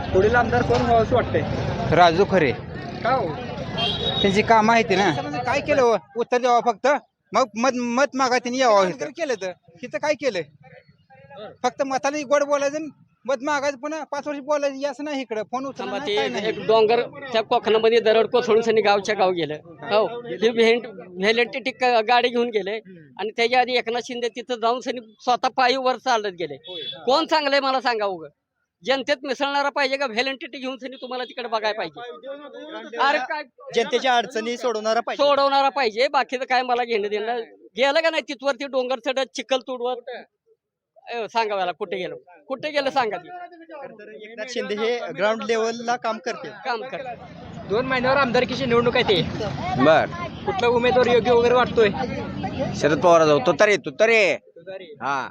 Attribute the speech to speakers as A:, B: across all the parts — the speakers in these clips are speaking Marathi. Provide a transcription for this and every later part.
A: पुढील आमदार कोण व्हावं असं वाटतंय?
B: राजू खरे
A: का हो?
B: त्यांची काम माहिती ना काय केलं हो? उत्तर द्यावं फक्त मग मत मागा त्यांनी यावं केलं तर तिथं काय केलं फक्त मताने गोड बोलायचं आणि मत मागायचं पुन्हा 5 वर्ष बोलायचं असं नाही इकडं फोन उचलला नाही, काय नाही.
C: एक डोंगर त्या कोकणामध्ये दरड कोसळून सनी गावच्या गाव गेलं. हो हे व्हेलेंटिटी गाडी घेऊन गेले आणि त्याच्या आधी एकनाथ शिंदे तिथं जाऊन सनी स्वतः पायी वर चालत गेले. कोण चांगलंय मला सांगा उगं. जनतेत मिसळणारा पाहिजे का व्हेलेंटिटी घेऊन सनी तुम्हाला तिकडे बघायला पाहिजे? अरे काय
A: जनतेच्या अडचणी सोडवणारा पाहिजे.
C: सोडवणारा पाहिजे. बाकीचं काय मला घेणं देणं. गेलं का नाही तिथवरती डोंगर चढत चिखल तुडवत सांगा मला कुठे गेलं सांगा ती.
A: एकनाथ शिंदे हे ग्राउंड लेवलला काम करते.
C: काम कर
A: 2 महिन्यावर आमदारकीची निवडणूक आहे ते.
B: बर
A: कुठला उमेदवार योग्य वगैरे वाटतोय?
B: शरद पवार जाऊ तुतारे हा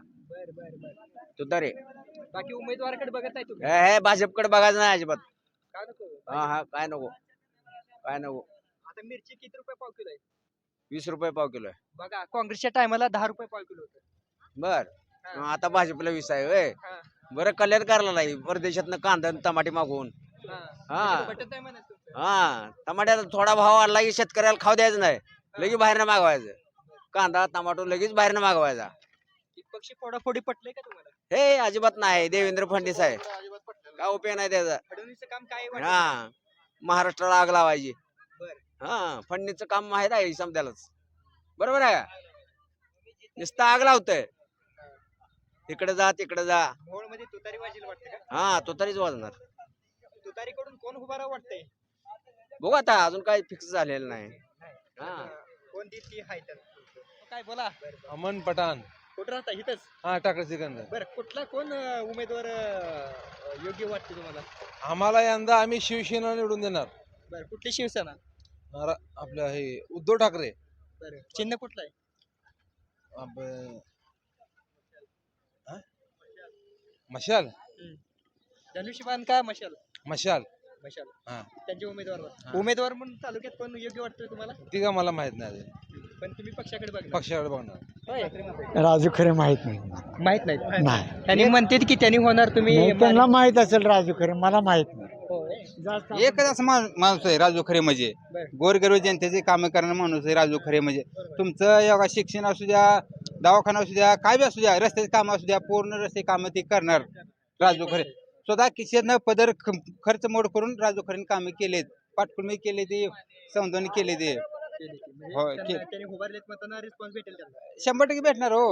B: तुतारे
A: बाकी उमेदवाराकडे बघत आहे तुम्ही?
B: हे भाजपकडे बघायचं नाही अजिबात.
A: का नको?
B: हा काय नको
A: आता मिरची किती रुपये पाव किलो आहे?
B: 20 रुपये पाव किलो आहे.
A: बघा काँग्रेसच्या टायमाला 10 रुपये पाव किलो होतं.
B: बर आता भाजपला 20 आहे होय.
A: हा.
B: बरं कल्याण करायला नाही परदेशातनं कांदा आणि टमाटे मागवून. हा.
A: पटत आहे म्हणत तुमचं.
B: हा टमाट्याला थोडा भाव वाढला की शेतकऱ्याला खाऊ द्यायचं नाही लगेच बाहेरनं मागवायचं. कांदा टमाटो लगेच बाहेरनं मागवायचा.
A: पक्षी फोडाफोडी पटले का तुम्हाला?
B: हे अजिबात नाही. देवेंद्र फडणवीस आहे काय उपयोग नाही त्याचा.
A: फडणवीसचं काम काय वाटतं?
B: हा महाराष्ट्राला आग लावायची.
A: बरं.
B: हा फडणीचं काम माहित आहे समजायलाच. बरोबर आहे का? नुसतं आग लावतंय इकडे जा तिकडे जा.
A: मोहोळमध्ये तुतारी वाजेल वाटतं का?
B: हा तो तरीच वाजणार.
A: तुतारीकडून कोण उभा राहा वाटतंय?
B: बघू आता अजून काही फिक्स झालेलं नाही. हा
A: कोण देत ती हाय तर. काय बोला?
D: अमन पठाण
A: कुठं राहता? इथंच.
D: हा टाकर सिकंदर.
A: बरं कुठला कोण उमेदवार योग्य वाटते तुम्हाला?
D: आम्हाला यंदा आम्ही शिवसेना निवडून देणार.
A: बरं कुठली शिवसेना?
D: आपलं हे उद्धव ठाकरे.
A: बरं चिन्ह कुठलं आहे?
D: मशाल
A: धनुष्यबाण का मशाल?
D: मशाल
A: मशाल.
D: हा
A: त्यांचे उमेदवार म्हणून तालुक्यात कोण योग्य वाटतोय तुम्हाला?
D: ती का मला माहित नाही
A: पण तुम्ही पक्षाकडे बघा.
D: पक्षाकडे बघणार.
E: राजू खरे माहित नाही
A: माहित नाही.
E: नाही
A: त्यांनी म्हणते की त्यांनी होणार तुम्ही
E: त्यांना माहित असेल राजू खरे मला माहित नाही
B: एकच असं माणूस आहे राजू खरे म्हणजे. गोरगरीब जनतेचे काम करणारा माणूस आहे राजू खरे म्हणजे. तुमचं योगा शिक्षण असू द्या दवाखाना असू द्या काय बी असू द्या रस्त्याचे काम असू द्या पूर्ण रस्ते काम ते करणार राजू खरे. स्वतः खिशातनं पदर खर्च मोड करून राजू खरेने कामे केलेत. पाटकुळमी केले ते समजावणी केले ते. हो
A: त्यांनी उभारलेत मतांना रिस्पॉन्स भेटेल त्यांना.
B: 100% भेटणार हो.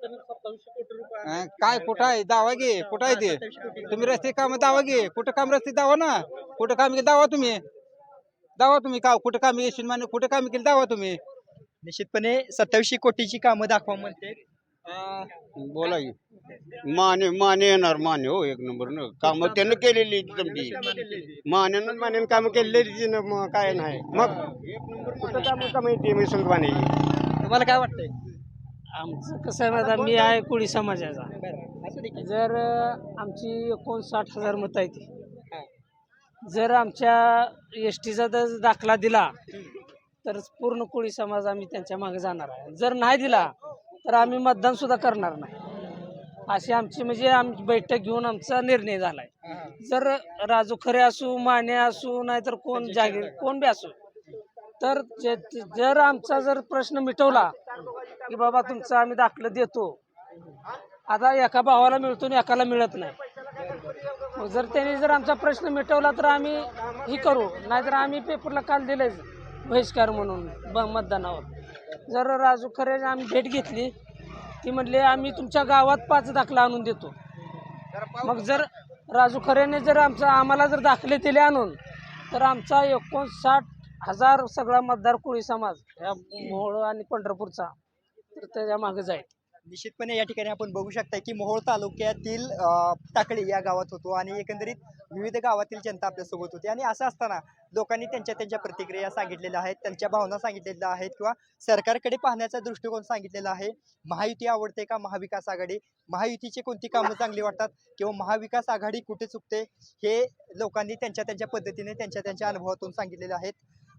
B: काय कुठं आहे दावा घे कुठं आहे ते. तुम्ही रस्ते काम दावा घे कुठं काम रस्ते दावा ना कुठं काम केलं दावा तुम्ही का कुठं काम यशवंत माने कुठं काम केलं दावा तुम्ही.
A: निश्चितपणे 27 कोटीची कामं दाखवा म्हणते.
F: बोला की माने येणार माने हो एक नंबर न काम त्यानं केलेली तुमची मान्यानं काम केलेली काय नाही मग एक नंबर कुठं काम येते मी सांगतो माने.
A: तुम्हाला काय वाटतंय?
G: आमचं कसं आहे माहिती आहे, मी आहे कोळी समाजाचा.
A: असू दे की.
G: जर आमची 59,000 मतं आहे ती. जर आमच्या एस टीचा जर दाखला दिला तर पूर्ण कोळी समाज आम्ही त्यांच्या मागे जाणार आहे. जर नाही दिला तर आम्ही मतदान सुद्धा करणार नाही. अशी आमची म्हणजे आमची बैठक घेऊन आमचा निर्णय झालाय. जर राजू खरे असू माने असू नाहीतर कोण जागीर कोण बी असू तर जर आमचा जर प्रश्न मिटवला की बाबा तुमचं आम्ही दाखलं देतो. आता एका भावाला मिळतो आणि एकाला मिळत नाही. मग जर त्यांनी जर आमचा प्रश्न मिटवला तर आम्ही ही करू नाहीतर आम्ही पेपरला काल दिलेच बहिष्कार म्हणून मतदानावर. जर राजू खरे आम्ही भेट घेतली ती म्हणले आम्ही तुमच्या गावात 5 दाखला आणून देतो. मग जर राजू खरेने जर आम्हाला जर दाखले दिले आणून तर आमचा 59,000 सगळा मतदार कोळी समाज या मोहोळ आणि पंढरपूरचा तर त्याच्या मागे जाईल.
A: निश्चितपणे या ठिकाणी आपण बघू शकता की मोहोळ तालुक्यातील टाकळी या गावात होतो आणि एकंदरीत विविध गावातील जनता आपल्यासोबत होती. आणि असं असताना लोकांनी त्यांच्या प्रतिक्रिया सांगितलेल्या आहेत त्यांच्या भावना सांगितलेल्या आहेत किंवा सरकारकडे पाहण्याचा दृष्टिकोन सांगितलेला आहे. महायुती आवडते का महाविकास आघाडी महायुतीची कोणती कामं चांगली वाटतात किंवा महाविकास आघाडी कुठे चुकते हे लोकांनी त्यांच्या पद्धतीने त्यांच्या अनुभवातून सांगितलेले आहेत.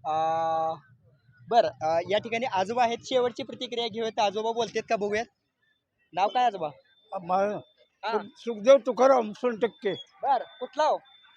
A: बरं या ठिकाणी आजोबा आहेत शेवटची प्रतिक्रिया घेऊयात. आजोबा बोलतात का बघूयात. नाव काय आजोबा?
E: सुखदेव तुकाराम 60%.
A: बर कुठला हो?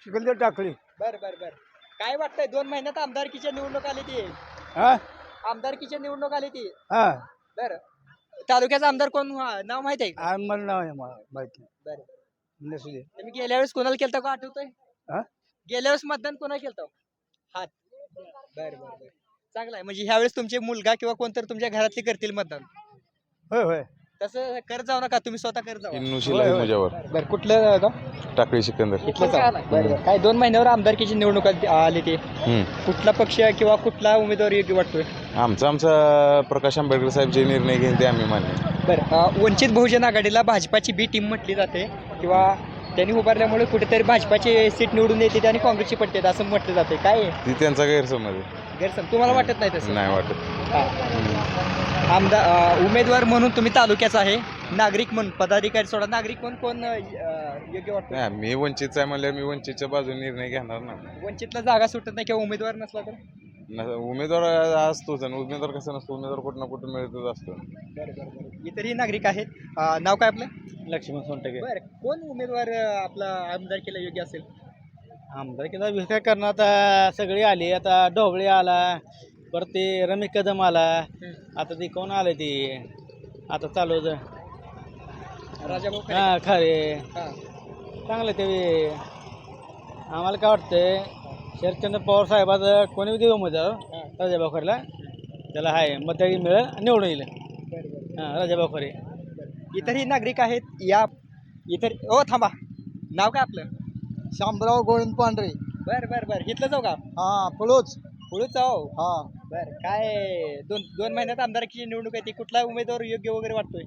E: चिखलदर टाकळी.
A: बर बर बर. काय वाटतंय 2 महिन्यात आमदारकीच्या निवडणूक आली ती
E: हा
A: आमदारकीच्या निवडणूक आली ती
E: हा
A: बर तालुक्याचा आमदार कोण नाव माहित आहे का?
E: मला नाव आहे माहिती
A: बरं
E: नसू दे.
A: तुम्ही गेल्या वेळेस कोणाला केलता का आठवतंय?
E: हा?
A: गेल्या वेळेस मतदान कोणाला केलता? हात बर बर बर. चांगलं आहे म्हणजे ह्या वेळेस तुमचे मुलगा किंवा कोणतरी तुमच्या घरातले करतील मतदान.
E: होय होय
A: तसं करत जाऊ नका तुम्ही स्वतः करत जाऊ.
D: इन्नुशीला आहे मुजावर
A: बरं कुठलं गाव?
D: टाकळी सिकंदर
A: इथलंच आहे. बरं बरं. काय 2 महिन्यावर आमदारकीची निवडणूक आली ती कुठला पक्ष किंवा कुठला उमेदवार योग्य वाटतोय?
D: आमचा प्रकाश आंबेडकर साहेब जे निर्णय घेईन ते आम्ही मान्य.
A: बरं वंचित बहुजन आघाडीला भाजपाची बी टीम म्हटली जाते किंवा त्यांनी उभारल्यामुळे कुठेतरी भाजपाची सीट निवडून येते आणि काँग्रेसची पडते असं म्हटलं जाते. काय आहे?
D: ती त्यांचा गैरसमज आहे.
A: गैरसमज तुम्हाला वाटत नाही तसं?
D: नाही वाटत.
A: आमदार उमेदवार म्हणून तुम्ही तालुक्याचा आहे नागरिक म्हणून पदाधिकारी सोडा नागरिक म्हणून कोण योग्य वाटतं?
D: नाही, मी वंचितचा आहे म्हणल्यावर मी वंचितच्या बाजूने निर्णय घेणार ना.
A: वंचितला जागा सुटत नाही किंवा उमेदवार नसला तर?
D: उमेदवार असतोच आणि उमेदवार कसं नसतो, उमेदवार कुठं ना कुठं मिळतच असतो.
A: इतरही नागरिक आहेत. नाव काय आपलं?
E: लक्ष्मण सोनटके.
A: बरं कोण उमेदवार आपला आमदार केला योग्य असेल?
E: आमदार केला विषय करणार आता सगळे आले. आता ढोबळे आला, परत ते रमेश कदम आला, आता ते कोण आले ते आता चालू
A: राजाभाऊ खरे.
E: हा खरे
A: हा.
E: चांगलं ते आम्हाला काय वाटतंय शरदचंद्र पवार साहेबाचं कोणी देऊ उमेदवार राजाभाऊ खरेला त्याला आहे मत मिळेल निवडून येईल. हां राजाभाऊ खरे.
A: इतरही नागरिक आहेत या इतर ओ थांबा नाव काय आपलं?
E: शामराव गोविंद पांढरे.
A: बर बर बर इथलं जाऊ का?
E: हा पळूच.
A: पुढे जाऊ.
E: हा
A: बर काय 2 महिन्यात आमदारकीची निवडणूक आहे ती कुठला उमेदवार योग्य वगैरे वाटतोय?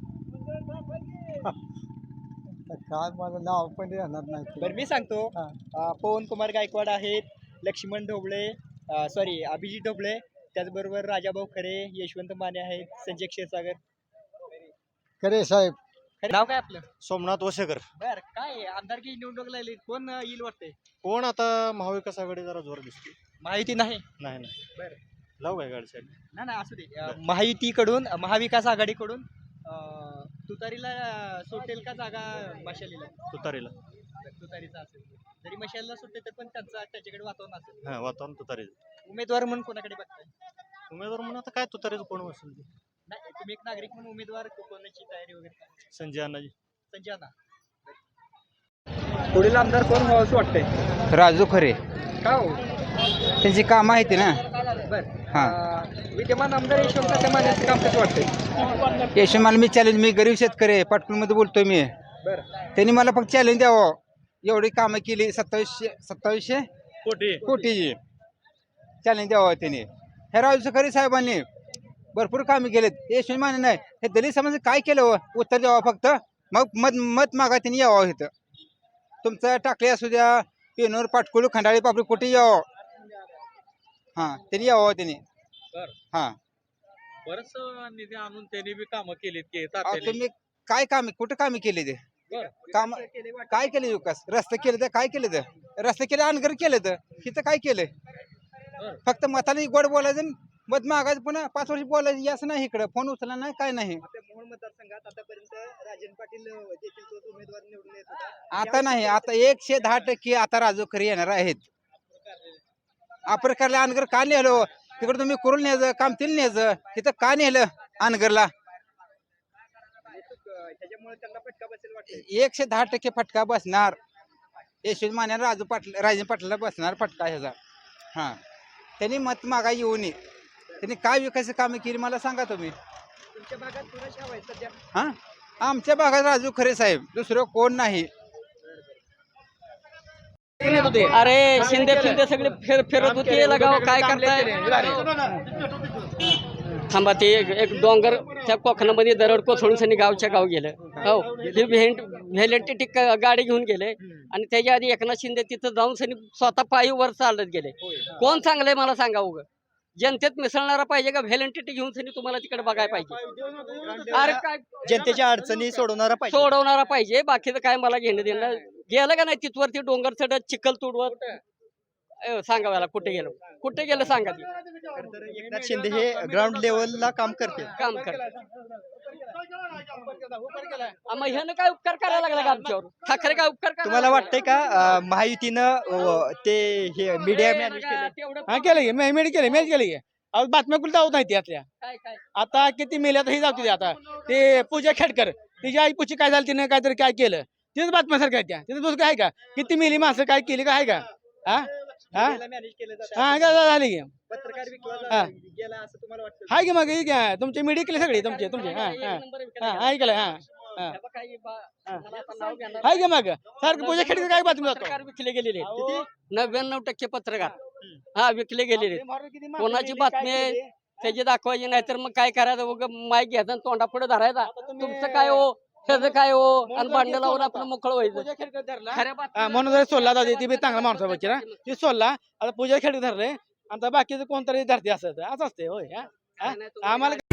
E: काय माझं नाव पण येणार नाही.
A: बरं मी सांगतो.
E: हा.
A: पवन कुमार गायकवाड आहेत, लक्ष्मण ढोबळे सॉरी अभिजित ढोबळे, त्याचबरोबर राजाभाऊ खरे, यशवंत माने आहेत, संजय क्षीरसागर.
E: खरे साहेब.
A: नाव काय आपलं?
E: सोमनाथ वसेकर.
A: बर काय आमदारकी निवडणूक लागली कोण येईल वाटतंय?
E: कोण आता महाविकास आघाडी जरा जोर दिसते.
A: माहिती नाही.
E: नाही नाही
A: बरं
E: लावू काय गाडी साहेब.
A: नाही नाही असू दे. महायुतीकडून महाविकास आघाडीकडून तुतारीला सुटेल का जागा मशालीला?
E: तुतारीला.
A: तुतारीचा असेल जरी मशालीला सुटते तर पण त्याच्याकडे वातावरण असेल.
E: हा वातावरण तुतारी.
A: उमेदवार म्हणून कोणाकडे बघताय?
E: उमेदवार म्हणून आता काय तुतारीचं कोण असेल ते.
A: नाही तुम्ही एक नागरिक म्हणून उमेदवार कोणाची तयारी वगैरे काय?
E: संजय अण्णाजी.
A: संजय अण्णा. पुढील आमदार कोण व्हावं असं वाटतंय?
B: राजू खरे
A: का हो?
B: त्यांची कामं आहेत ना.
A: बरं
B: हा.
A: विद्यमान आमदार यशवंत मानेचं काम कसं वाटतंय?
B: यशमाल मी चॅलेंज मी गरीब शेतकरी आहे पाटणमध्ये बोलतोय मी.
A: बरं
B: त्यांनी मला फक्त चॅलेंज द्यावं एवढी कामं केली 2700 कोटीची चॅलेंज द्यावं त्यांनी. हे राजू खरे साहेबांनी भरपूर कामे केलेत. यशवंत माने नाही हे दलित समाज काय केलं हो? उत्तर द्यावं फक्त मग मत मागा त्यांनी यावं इथं. तुमचं टाकले असू द्या पेनूर पाटकुलू खंडाळी पापडी कुठे यावं. हां त्यांनी यावं त्यांनी. हां
E: बरंच निधी आणून त्यांनी बी कामं केलीत की
B: तुम्ही काय काम कुठं कामे केले ते काम काय केले विकास रस्ते केले तर काय केले तर रस्ते केले अनगर केले तर इथं काय केलंय फक्त मताने गोड बोलायचं आणि मत मागायचं पुन्हा 5 वर्ष बोलायचं असं नाही. इकडं फोन उचलला नाही काय नाही.
A: मोहोळ मतदारसंघात आतापर्यंत राजन पाटील देखील तोच उमेदवार निवडून येत होता.
B: आता नाही आता 110% आता राजू खरे येणार आहेत. अप्रकारला अनगर का नेलो तिकडे तुम्ही कुरुल न्यायचं कामतील न्यायचं तिथं का नेलं अनगरला?
A: त्याच्यामुळे त्यांना फटका बसेल वाटतं.
B: 110% फटका बसणार. यशवंत माने राजन पाटलाला बसणार फटका ह्याचा. हां त्यांनी मत मागा येऊ नये. त्यांनी काय विकास कामे केली मला सांगा तुम्ही.
A: तुमच्या भागात कुणाची हवा आहे सध्या?
B: हां आमच्या भागात राजू खरे साहेब दुसरं कोण नाही.
C: अरे शिंदे फिंदे सगळे फिरत होते याला गाव काय करताय? थांबा ते एक डोंगर त्या कोकणामध्ये दरड कोसळून सनी गावच्या गाव गेलं. हो ही व्हॅलेंटी गाडी घेऊन गेले आणि त्याच्या आधी एकनाथ शिंदे तिथं जाऊन सनी स्वतः पायी वर चालत गेले. कोण चांगलंय मला सांगा उगं? जनतेत मिसळणारा पाहिजे का व्हॅलेंटी घेऊन सनी तुम्हाला तिकडे बघायला पाहिजे? अरे काय
A: जनतेच्या अडचणी सोडवणारा पाहिजे.
C: सोडवणारा पाहिजे. बाकीचं काय मला घेणं देणं. गेलं का नाही तिथवरती डोंगर चढत चिखल तुडवत सांगा मला कुठे गेलं सांगा.
A: एकनाथ शिंदे हे ग्राउंड लेवलला काम करते.
C: काम कर मग ह्यानं काय उपकार करायला लागला का आमच्यावर? ठाकरे काय उपकार करायला
A: तुम्हाला
C: लागला?
A: वाटतंय का महायुतीनं ते हे मीडिया मॅनेज केले?
C: तेवढं
E: हा केलं की मॅच केली की अहो बातम्या कुठे जाऊ नाही त्यातल्या
C: काय
E: आता किती मेल्या तर हे जाऊ दे आता ते पूजा खेडकर तिच्या आई पुची काय झालं तिने काहीतरी काय केलं तेच बातम्यासारखं आहे त्या तिथं दुसरं काय का किती मेली माणसं काय केली का आहे का हा हा
A: मॅनेज केलं जातं.
E: हा काय झाली की
A: पत्रकार विकला
E: हा.
A: गेला असं तुम्हाला वाटतं?
E: हाय की मग हे घ्या तुमचे मीडिया केले सगळे तुमचे हा ऐकलं हा हा हाय की मग सारखं पूजा खेडकर काय बातमी जातो
C: पत्रकार विकले गेलेले आहेत. 99% पत्रकार हा विकले गेलेले आहेत. कोणाची बातमी आहे त्याची दाखवायची नाही तर मग काय करायचं माईक घ्यायचा आणि तोंडापुढे धरायचा तुमचं काय हो त्याचं काय हो आणि भांडण लावून आपलं मोकळं व्हायचं खऱ्या बातम्या-
E: म्हणून जर सोडला जाते ती बी चांगला माणूस बच्ची ना ती सोडला आता पूजा खेडकर धरले आता बाकीचं कोणतरी धरते असं असते होय हा?
C: नाही, तुम्हाला
E: आम्हाला